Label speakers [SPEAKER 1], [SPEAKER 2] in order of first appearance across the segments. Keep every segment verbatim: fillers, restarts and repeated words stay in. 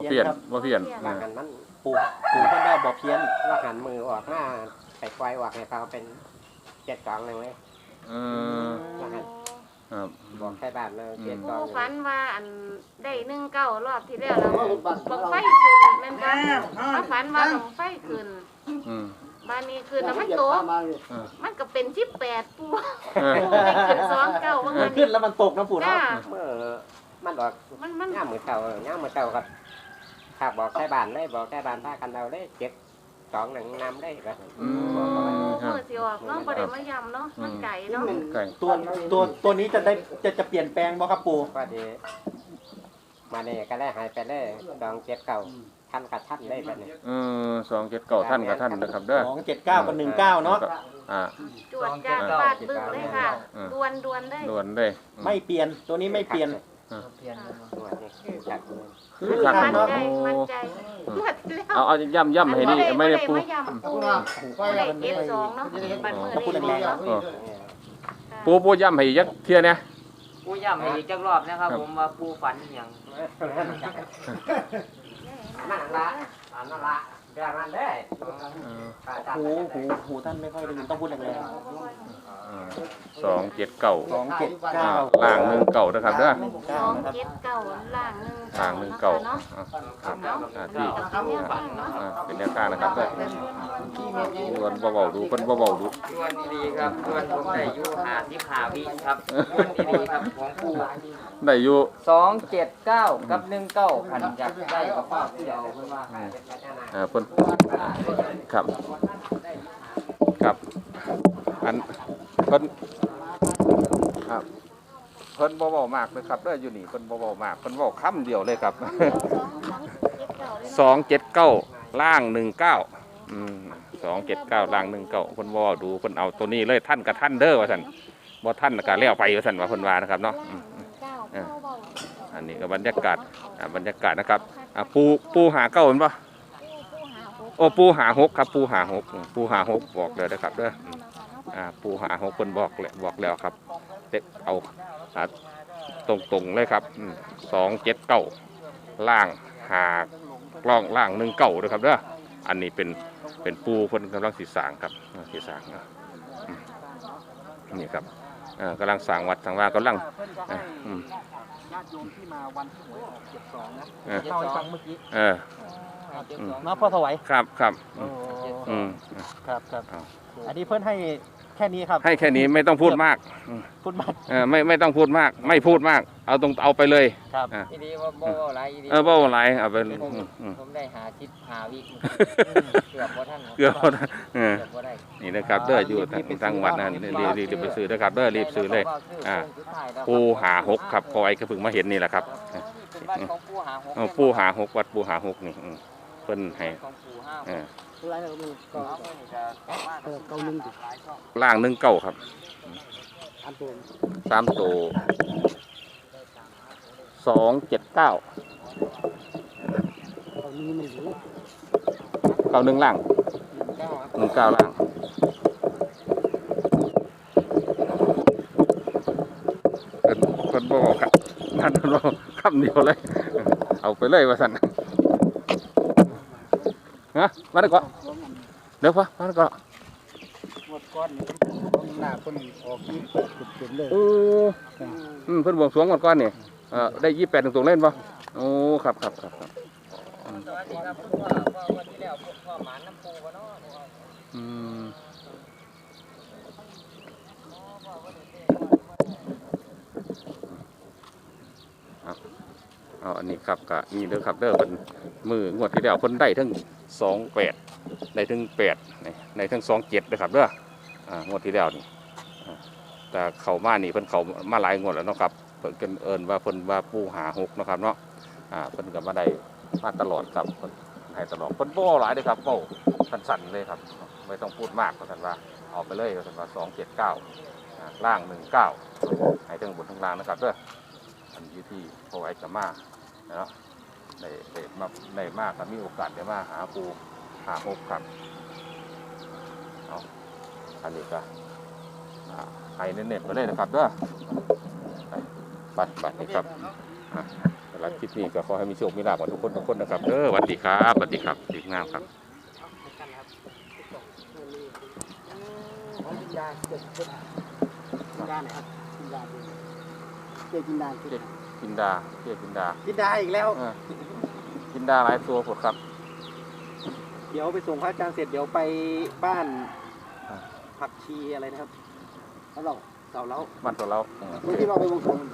[SPEAKER 1] เพี้ยนบ่เพี้ยน
[SPEAKER 2] ว่าหันมันปูปูเพิ่นได้บ่เพี้ยนว่าหันมือออกหน้าไปไกวออกให้เขาเป็นเจ็ดสองหนึ่งเลย
[SPEAKER 1] เออ
[SPEAKER 2] ว่าหัน
[SPEAKER 1] ครับ
[SPEAKER 2] บอกใช้บ้านเลยเจ็ดสอง
[SPEAKER 3] ผู้ฝันว่าอันได้หนึ่งเก้ารอบที่แล้วเราบังไฟขึ้นแม่นบ่เขาฝันว่าบังไฟขึ้นบ้านนี้ขึ้นแล้วมันโตมันก็เป็นสิบแปดปูได้ขึ้นสองเก้าว่างั้น
[SPEAKER 2] ขึ้นแล้วมันตกนะปู่เนาะ
[SPEAKER 3] จ้า
[SPEAKER 2] เมื่อมันบอก
[SPEAKER 3] มันมัน
[SPEAKER 2] ย่ามมือเก่าย่ามมือเก่ากับหากบอกใช้บ้านเลยบอกใช้บ้านพากันเอาเลยเจ็ดสองหนึ่งนำได้ก็
[SPEAKER 1] อืม
[SPEAKER 3] เมื่อสิออกเนาะบ่ได้มาย้ำเนาะมันไก่เนาะ
[SPEAKER 1] ไก่
[SPEAKER 4] ตัวตัวตัวนี้จะได้จะจะเปลี่ยนแปลงบ่ครับปู่
[SPEAKER 2] ก็ดีมาเนี่ยก็ได้หายไปเลยดองเจ็ดเก่าท่านกับท่านได้แบบนี้
[SPEAKER 1] เออสองเจ็ดเก้าท่านกับท่านนะครับเด้อ
[SPEAKER 4] สองเจ็ดเก้ากับหนึ่งเก้าเนาะ
[SPEAKER 1] อ่า
[SPEAKER 3] จวดจ้าฟาดบึ้งเลยค่ะดวนดวนได้
[SPEAKER 1] ด่วนเลย
[SPEAKER 4] ไม่เปลี่ยนตัวนี้ไม่เปลี่ยน
[SPEAKER 2] ตัวนี้จัดเลย
[SPEAKER 1] คือคัก
[SPEAKER 3] มัน
[SPEAKER 1] เนาะ
[SPEAKER 3] ใจมันใจหมดแล้ว
[SPEAKER 1] เอาเอาย่ำย่ำให้นี่ไม่ได้ปู
[SPEAKER 3] บ่ย้ำปูบ่ได้เจ็ดสองเนาะบัดมื้อนี้เนาะ
[SPEAKER 1] เออปูปูย่ำให้ยักเทียเนี่ย
[SPEAKER 5] ปูย้ำให้อีกจักรอบนะครับผมว่าปูฝันอหย่าง
[SPEAKER 2] นั่นละนั่นละเดี๋ยวมันได้
[SPEAKER 4] หูหูหูท่านไม่ค่อยได้ยินต้องพูดแรง
[SPEAKER 1] สองเจ็ดเก้า
[SPEAKER 4] ๆสองเจ็ดเก้า
[SPEAKER 1] ล่างหนึ่งเก้านะครับเด้อ
[SPEAKER 3] สองเจ็ดเก้าล่างหนึ่ง
[SPEAKER 1] ล่างหนึ่งเก้า
[SPEAKER 3] เนาะ
[SPEAKER 1] ครับ
[SPEAKER 3] เนาะ
[SPEAKER 1] อ่าที่
[SPEAKER 3] กับเนี่ยบ้างเนาะ
[SPEAKER 1] อ่าเป็นแนวทางนะครับเด้อดวนเบาๆดูคนเบาๆดู
[SPEAKER 5] ดวนดีๆครับดวนผมได้อยู่หาที่ขาวิครับดวนดีๆครับของปู
[SPEAKER 1] ได้อยู่
[SPEAKER 5] สองเจ็ดเก้ากับหนึ่งเก้าขันอยากได้กับฟ้าเดียวเพิ่นว่า
[SPEAKER 1] อ่าเพิ่นครับครับอันเพิ่นครับเพิ่นบ่เว้ามากเลยครับเด้ออยู่นี่เพิ่นบ่เว้ามากเพิ่นเว้าคำเดียวเลยครับ สองเจ็ดเก้าล่างหนึ่งเก้าอืมสองเจ็ดเก้าล่างหนึ่งเก้าเพิ่นบ่เว้าดูเพิ่นเอาตัวนี้เลยท่านกับท่านเด้อว่าซั่นบ่ท่านก็แล้วไปว่าซั่นว่าเพิ่นว่านะครับเนาะอืมเอออันนี้ก็บรรยากาศอ่าบรรยากาศนะครับอ่าปูปูหาเก้าเห็นป่ะโอ้ปูหาหกครับปูหาหกปูหาหกบอกเลยนะครับเด้ออ่าปูหาหกเพิ่นบอกเลยบอกแล้วครับเด็กเอาอ่าตรงๆเลยครับสองเจ็ดเก้าล่างหากล้องล่างหนึ่งเก้าด้วยครับเด้ออันนี้เป็นเป็นปูเพิ่นกำลังสีสางครับสีสางนะนี่ครับอ่ากำลังสร้างวัดทางว่ากำลังอ่าอืม
[SPEAKER 4] ญาติโยมที่มาวันที่หวยออกเจ็ดสองนะ
[SPEAKER 1] เออ
[SPEAKER 4] เล่าให้ฟังเมื่อกี้
[SPEAKER 1] เออ
[SPEAKER 4] เนาะพ่อถวาย
[SPEAKER 1] ครับครับอืม
[SPEAKER 4] ครับครับ
[SPEAKER 1] เอา
[SPEAKER 4] อันนี้เพิ่นให้แค่นี้ครับ
[SPEAKER 1] ให้แค่นี้ไม่ต้องพูดมาก
[SPEAKER 4] พูดบัตร
[SPEAKER 1] เออไม่ไม่ต้องพูดมาก ไม่พูดมาก เอาตรงเอาไปเลย
[SPEAKER 4] ครับ
[SPEAKER 1] อ่า
[SPEAKER 5] อีดีว่าบ่ว่าอะไรอีดี
[SPEAKER 1] เออเบ้าอะไรเอาไป
[SPEAKER 5] ผม
[SPEAKER 1] อืมอืม
[SPEAKER 5] ผมได้หาทิศหาวิเกือบบ่ทัน
[SPEAKER 1] เกลือเอานะเออ
[SPEAKER 5] เกือบบ่ได้
[SPEAKER 1] นี่นะครับเด้ออยู่ทางทางวัดนะรีบรีบรีบไปซื้อนะครับเด้อรีบซื้อเลยอ่าปูหาหกครับพอไอ้ก็เพิ่งมาเห็นนี่แหละครับ
[SPEAKER 5] เป็นบ้านของปูหาหก
[SPEAKER 1] เอาปูหาหกวัดปูหาหกนี่อืมเพิ่นให้
[SPEAKER 5] ของปูห้า
[SPEAKER 1] เออ
[SPEAKER 4] อะไรเราดูก็
[SPEAKER 5] เออเก้าหนึ่ง
[SPEAKER 1] ล่างหนึ่งเก้าครับ
[SPEAKER 4] อันตัว
[SPEAKER 1] สามตัวสองเจ็ดเก้า
[SPEAKER 4] ตอนนี้ไม่รู้
[SPEAKER 1] เก้าหนึ่งล่างหนึ่งเก้าล่างเพิ่นเพิ่นบ่บอกครับนั่นเพิ่นบ่คำเดียวเลยเอาไปเลยว่าสั่นฮะมาได้ก่อนเดี๋ยวพะมาได้ก่อน
[SPEAKER 4] หมดก้อนนี่หน้าคนออกที่จุดเด่นเลย
[SPEAKER 1] โอ้อืมเพิ่นบวงสรวงก่อนก่อนนี่เออได้ยี่สิบแปดตรงๆเล่นป่ะโอ้ครับครับครับครับ
[SPEAKER 5] สวัสดีครับพ่อพ่อวันที่แล้วพ่อหมานน้ำปูบ่เนาะ
[SPEAKER 1] อืมเอาเอาอันนี้ครับกะนี่เด้อครับเด้อเพิ่นมืองวดที่แล้วเพิ่นได้ทั้งสองแปดได้ทั้งแปดในทั้งสองเจ็ดเด้อครับเด้ออ่างวดที่แล้วนี่อ่าแต่เขามานี่เพิ่นเขามาหลายงวดแล้วเนาะครับเพิ่นกันเอิ้นว่าเพิ่นว่าปูหาหกเนาะครับเนาะอ่าเพิ่นก็มาได้มาตลอดครับเพิ่นให้ตลอดเพิ่นบ่หลายเด้อครับเว้าสั้นๆเลยครับไม่ต้องพูดมากว่าซั่นว่าเอาไปเลยว่าซั่นว่าสองเจ็ดเก้าอ่าล่างหนึ่งเก้าให้ทั้งบนทั้งล่างนะครับเด้ออันอยู่ที่พอไว้กับมาเนาะได้ได้มาได้มากก็มีโอกาสได้มาหาปูหาหกครับเอาอันนี้ก็อ่าให้เน้นๆไปเลยนะครับเด้อไปบัตรบัตรนี่ครับอ่าหลังคลิปนี้ก็ขอให้มีโชคมีลาภกับทุกคนทุกคนนะครับเออสวัสดีครับสวัสดีครับดีงามครับ
[SPEAKER 4] กินยาเจ็บเจ็บกินยาไหนครับกินยาดูเจ็บกินยาเจ็บ
[SPEAKER 1] กินดาเพียกินดา
[SPEAKER 2] กินได้อีกแล้ว
[SPEAKER 1] เออกินดาหลายตัวผดครับ
[SPEAKER 2] เดี๋ยวไปส่งพระอาจารย์เสร็จเดี๋ยวไปบ้าน
[SPEAKER 1] อ่า
[SPEAKER 2] ผักชีอะไรนะครับ
[SPEAKER 4] แล้วเรา
[SPEAKER 2] เสาเล้า
[SPEAKER 1] บ้านตัวเราอืม
[SPEAKER 4] ไม่ที่เราไปวงสวง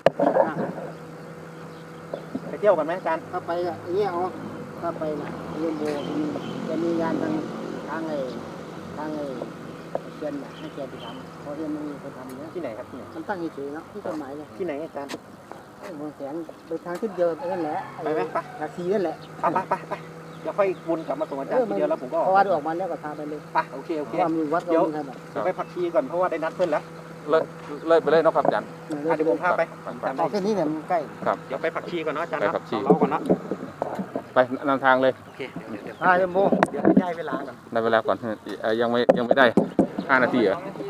[SPEAKER 2] ไปเที่ยวกันไหมอาจารย์
[SPEAKER 4] ถ้าไปอ่ะอย่างเงี้ยเอาถ้าไปนะเรียนโบมีจะมีงานทางทางไอ้ทางไอ้เชียนน่ะให้แกไปทำเพราะเรียนมันมีคนทำเนี้ย
[SPEAKER 2] ที่ไหนครับที่ไหน
[SPEAKER 4] มันตั้งเฉยๆเนาะที่ต้นไม้เลย
[SPEAKER 2] ที่ไหนอาจารย์
[SPEAKER 4] บางแสนไปทางขึ้นเดินไปนั่นแหละ
[SPEAKER 2] ไปไหมไป
[SPEAKER 4] นาทีนั่นแหละ
[SPEAKER 2] ไปไปไปไปเดี๋ยวค่อยวนกลับมาส่งอาจารย์ทีเดียวแล้วผมก็
[SPEAKER 4] เพราะว่าออกมาแล้วก็พาไปเลย
[SPEAKER 2] ไปโอเคโอเค
[SPEAKER 4] ความมีวัดก็มีขนาด
[SPEAKER 2] เดี๋ยวไปผักชีก่อนเพราะว่าได้นัดเพื่อนแล้ว
[SPEAKER 1] เลยเลยไปเลยเนาะครับอาจารย์
[SPEAKER 2] อ่ะเดี๋ยวผมพาไปจำ
[SPEAKER 4] เอา
[SPEAKER 2] ได้
[SPEAKER 4] แค่นี้เนี่ยมันใกล้
[SPEAKER 1] ครับ
[SPEAKER 2] เดี๋ยวไปผักชีก่อนเนาะอาจารย์
[SPEAKER 1] ไป
[SPEAKER 2] เนาะ
[SPEAKER 1] ผักชี
[SPEAKER 2] เสาเล้าก่อนเนาะ
[SPEAKER 1] ไปนำทางเลย
[SPEAKER 2] โอเคเดี๋ยวเดี๋ยว
[SPEAKER 4] พาเรียนโบ
[SPEAKER 2] เดี๋ยวให้ได้เวลาก่อน
[SPEAKER 1] ได้เวลาก่อนเอ่อยังไม่ยังไม่ได้ห้านาทีเหรอ
[SPEAKER 2] โอเค